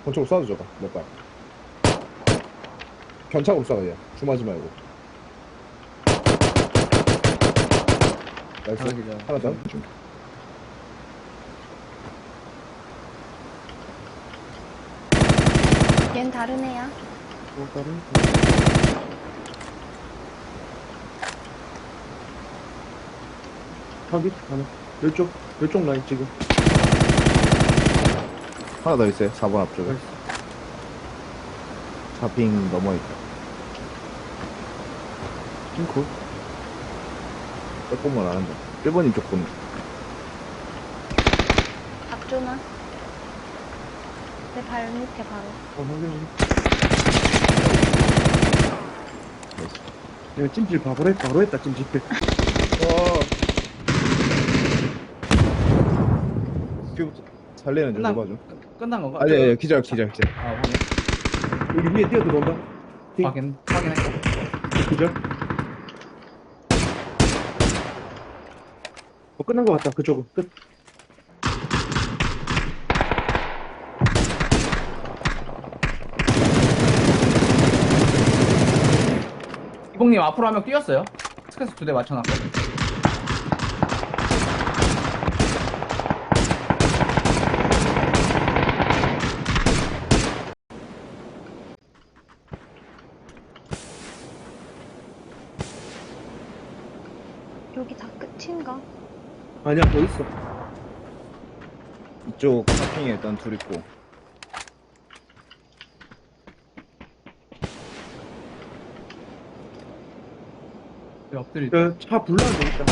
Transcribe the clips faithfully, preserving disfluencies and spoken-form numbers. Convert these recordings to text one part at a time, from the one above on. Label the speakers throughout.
Speaker 1: 권총으로 쏴도 저거 몇 발. 견착으로 쏴 그냥 주마지 말고. 나이스.
Speaker 2: 하나 기절.
Speaker 1: 하나 더.
Speaker 3: 얜 다른 애야.
Speaker 2: 어, 다른? 확인? 하나. 이쪽, 이쪽 라인 지금.
Speaker 1: 하나 더 있어요. 사 번 앞쪽에.
Speaker 2: 나이스.
Speaker 1: 사핑 넘어있다. 핑크. 조금만 안 한다. 일 번님 조금.
Speaker 3: 박조나. 내 발 밑에 바로.
Speaker 2: 어, 확인. 내가 찜질 바로 했, 바로 했다, 찜질.
Speaker 1: 와. 큐부터 살리는 중
Speaker 4: 끝난-
Speaker 1: 봐줘.
Speaker 4: 끝난 건가?
Speaker 1: 아니, 아니, 기절, 기절, 기절.
Speaker 4: 아, 확인.
Speaker 2: 여기 위에 뛰어 들어온다. 띵.
Speaker 4: 확인, 확인했어.
Speaker 2: 그죠? 어, 끝난 것 같다, 그쪽은. 끝.
Speaker 4: 이봉님 앞으로 한 명 뛰었어요. 스케스 두 대 맞춰놨고.
Speaker 3: 여기 다 끝인가?
Speaker 2: 아니야, 더 있어.
Speaker 1: 이쪽 사핑에 일단 둘 있고.
Speaker 4: 옆들이.
Speaker 2: 그, 차 불러야 되겠다.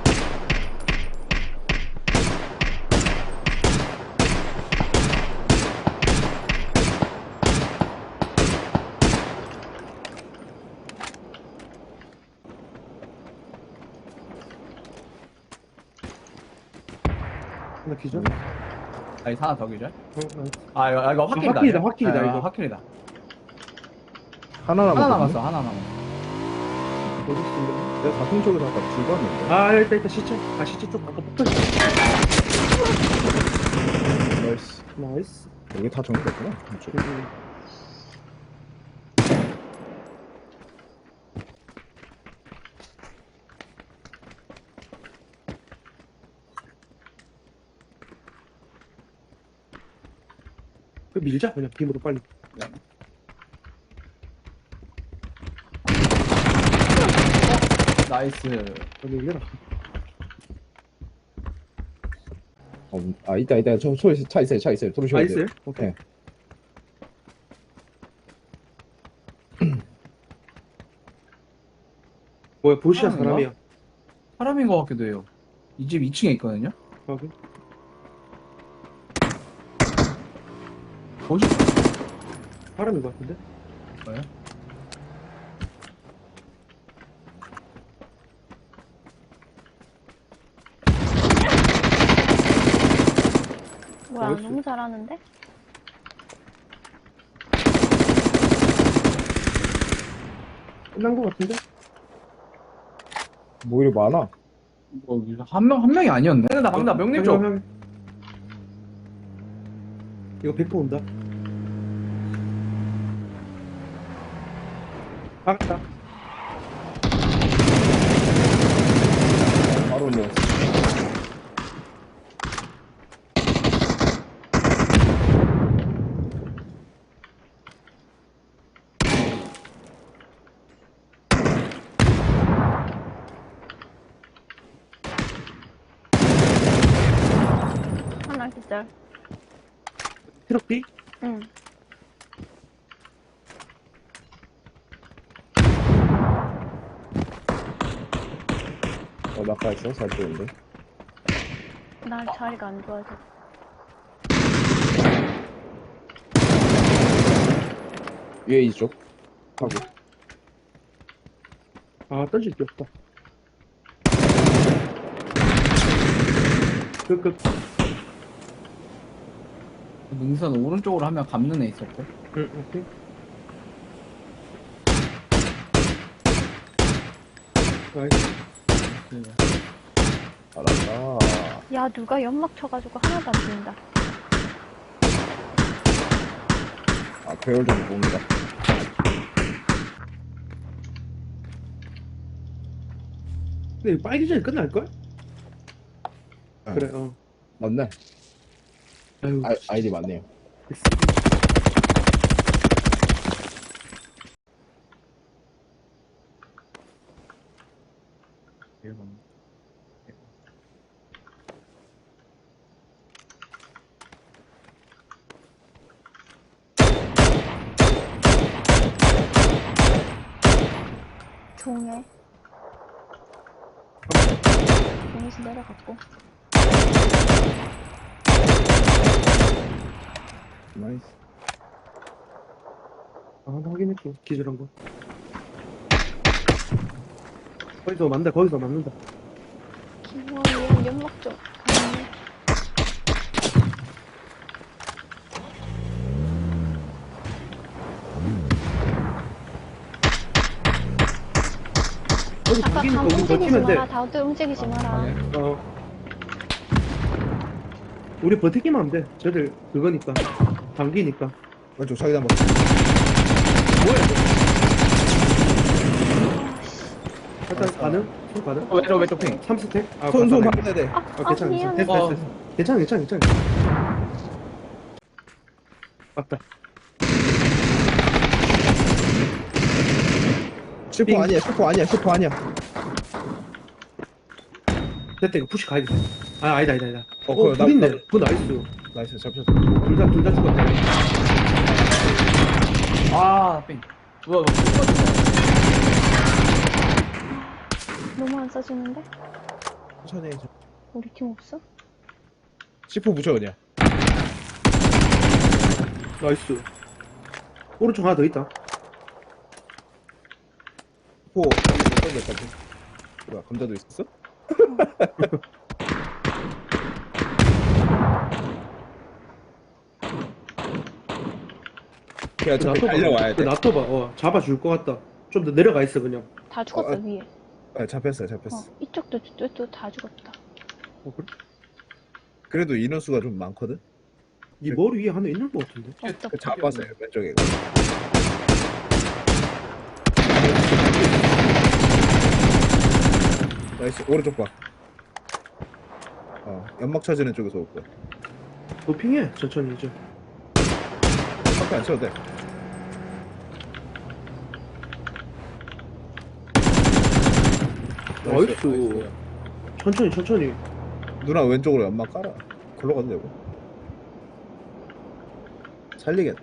Speaker 2: 하나 기절?
Speaker 4: 아니, 하나 더 기절.
Speaker 2: 어, 나이스.
Speaker 4: 아, 이거, 아, 이거 확킬이다.
Speaker 2: 확킬이다, 확킬이다,
Speaker 4: 아,
Speaker 2: 이거.
Speaker 4: 확킬이다.
Speaker 1: 하나 남았거든.
Speaker 4: 하나 남았어, 하나 남았어.
Speaker 2: 어디 있어?
Speaker 1: 내가 사핑 쪽에서 아까 둘 봤는데.
Speaker 2: 아, 일단, 일단 시체. 아, 시체 쪽 아까 폭탄.
Speaker 1: 나이스.
Speaker 2: 나이스.
Speaker 1: 이게 다 정리됐구나. 이쪽.
Speaker 2: 음. 그 밀자 그냥 빔으로 빨리.
Speaker 4: 나이스.
Speaker 2: 여기 밀려라.
Speaker 1: 어, 아, 있다, 있다. 저 소리, 차 있어요, 차 있어요. 들어오셔야
Speaker 2: 아
Speaker 1: 돼요.
Speaker 2: 있어요? 오케이.
Speaker 1: 네.
Speaker 2: 뭐야 보시야
Speaker 4: 사람인가?
Speaker 2: 사람이야.
Speaker 4: 사람인 것 같기도 해요. 이 집 이 층에 있거든요.
Speaker 2: 확인.
Speaker 4: 뭐지?
Speaker 2: 사람인 것 같은데?
Speaker 4: 뭐예요?
Speaker 3: 뭐야,
Speaker 2: 나이스.
Speaker 3: 너무 잘하는데?
Speaker 2: 끝난 것 같은데?
Speaker 1: 뭐 이리 많아?
Speaker 4: 뭐, 한 명, 한 명이 아니었네. 나 방금 명님 쪽.
Speaker 2: 확인, 확인. 이거 백 퍼센트 온다. 박았다.
Speaker 1: 바로 올려왔어.
Speaker 3: 하나 기절.
Speaker 2: 트럭 B?
Speaker 3: 응.
Speaker 1: 어, 낙하했어, 살찌는데.
Speaker 3: 나 자리가 안 좋아서.
Speaker 1: 위에 이쪽. 하고.
Speaker 2: 아 던질 게 없다. 그, 그,
Speaker 4: 능선 오른쪽으로 한 명 감는 애 있었고.
Speaker 2: 응, 오케이. 나이스.
Speaker 1: 알았다.
Speaker 3: 야, 누가 연막 쳐가지고 하나도 안 보인다.
Speaker 1: 배열 좀 봅니다.
Speaker 2: 근데 이거 빨기 전에 끝날걸?
Speaker 1: 아,
Speaker 2: 그래, 어.
Speaker 1: 맞네.
Speaker 2: 아유,
Speaker 1: 아, 아이디 맞네요.
Speaker 3: 종에. 종에서 내려갔고.
Speaker 1: 나이스.
Speaker 2: 아, 나 확인했고, 기절한 거. 거기서 맞는다, 거기서 맞는다.
Speaker 3: 김원이랑 연막 좀. 가능해?
Speaker 2: 거기
Speaker 3: 아까
Speaker 2: 당기니까
Speaker 3: 감
Speaker 2: 우리
Speaker 3: 움직이지
Speaker 2: 버티면 돼.
Speaker 3: 마라. 다들 움직이지 마라.
Speaker 2: 어. 우리 버티기만 하면 돼. 쟤들 그거니까. 당기니까.
Speaker 1: 왼쪽 자기장 봐.
Speaker 2: 뭐야, 이거? 일단 가능? 손 가능?
Speaker 4: 어, 왼쪽 왼쪽 핑.
Speaker 2: 삼 스택? 아,
Speaker 1: 손, 손
Speaker 2: 맞다.
Speaker 1: 봐야 돼.
Speaker 3: 아,
Speaker 2: 아,
Speaker 3: 아,
Speaker 2: 괜찮아, 괜찮아.
Speaker 3: 미안.
Speaker 2: 됐어,
Speaker 4: 어.
Speaker 2: 됐어, 됐어. 괜찮아, 괜찮아, 괜찮아. 맞다.
Speaker 1: 슈퍼
Speaker 2: 삥.
Speaker 1: 아니야, 슈퍼 아니야, 슈퍼 아니야.
Speaker 2: 됐다, 이거 푸시 가야겠다. 아, 아니다, 아니다, 아니다.
Speaker 1: 어,
Speaker 2: 어,
Speaker 1: 그거 나-
Speaker 2: 둘 있네.
Speaker 1: 나-
Speaker 2: 그거 나이스.
Speaker 1: 나이스, 잡혔어.
Speaker 2: 둘 다, 둘 다 죽었다.
Speaker 4: 아, 핑. 우와, 우와, 핑.
Speaker 3: 너무 안 써지는데?
Speaker 1: 천천히 해.
Speaker 3: 우리 팀 없어?
Speaker 1: 슈퍼 붙여, 그냥.
Speaker 2: 나이스. 오른쪽 하나 더 있다.
Speaker 1: 슈퍼 못 던졌다. 뭐야, 감자도 있었어? 걔가 저기 달려와야 돼.
Speaker 2: 놔둬봐. 어, 잡아줄 것 같다. 좀 더 내려가 있어, 그냥.
Speaker 3: 다 죽었어,
Speaker 1: 어, 아.
Speaker 3: 위에.
Speaker 1: 아, 잡혔어요, 잡혔어.
Speaker 3: 어, 이쪽도, 이쪽도 다 죽었다.
Speaker 2: 어, 그래?
Speaker 1: 그래도 인원수가 좀 많거든?
Speaker 2: 이 머리 위에 하나 있는 것 같은데?
Speaker 3: 없다.
Speaker 1: 그 잡았어요, 왼쪽에. 나이스, 오른쪽 봐. 어, 연막 쳐지는 쪽에서 올 거야.
Speaker 2: 도핑해, 천천히 이제.
Speaker 1: 밖에 안 쳐도 돼.
Speaker 2: 나이스. 천천히, 천천히.
Speaker 1: 누나 왼쪽으로 연막 깔아. 글로 가도 되고. 살리겠다.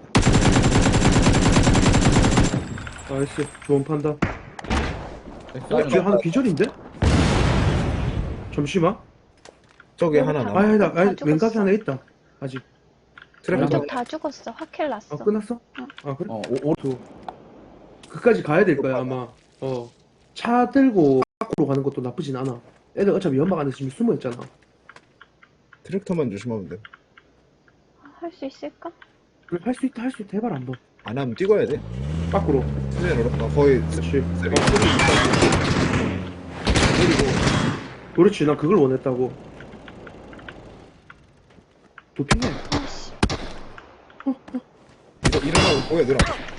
Speaker 2: 나이스. 좋은 판단.
Speaker 4: 나이스.
Speaker 2: 어, 뒤에 하나 기절인데? 잠시만.
Speaker 1: 저기
Speaker 3: 여기
Speaker 1: 하나
Speaker 3: 다-
Speaker 1: 남아.
Speaker 2: 아니, 나,
Speaker 3: 다
Speaker 2: 아니,
Speaker 3: 죽었어.
Speaker 2: 왼각이 하나 있다. 아직.
Speaker 1: 트랩
Speaker 3: 왼쪽
Speaker 1: 하나.
Speaker 3: 다 죽었어. 확킬 났어.
Speaker 2: 아, 끝났어? 아, 그래?
Speaker 4: 어, 오, 오,
Speaker 2: 또. 그까지 가야 될 거야, 아마. 어. 차 들고 밖으로 가는 것도 나쁘진 않아. 애들 어차피 연막 안에 지금 숨어 있잖아.
Speaker 1: 트랙터만 조심하면 돼.
Speaker 3: 할 수 있을까?
Speaker 2: 그래, 할 수 있다, 할 수 있다. 해봐라, 한번.
Speaker 1: 안 하면 뛰어야 돼.
Speaker 2: 밖으로.
Speaker 1: 수면으로. 어, 거의
Speaker 2: 그렇지.
Speaker 1: 쓰리.
Speaker 2: 그렇지, 난 그걸 원했다고. 도핑해.
Speaker 3: 아씨.
Speaker 1: 이거 일어나고 보여, 누나.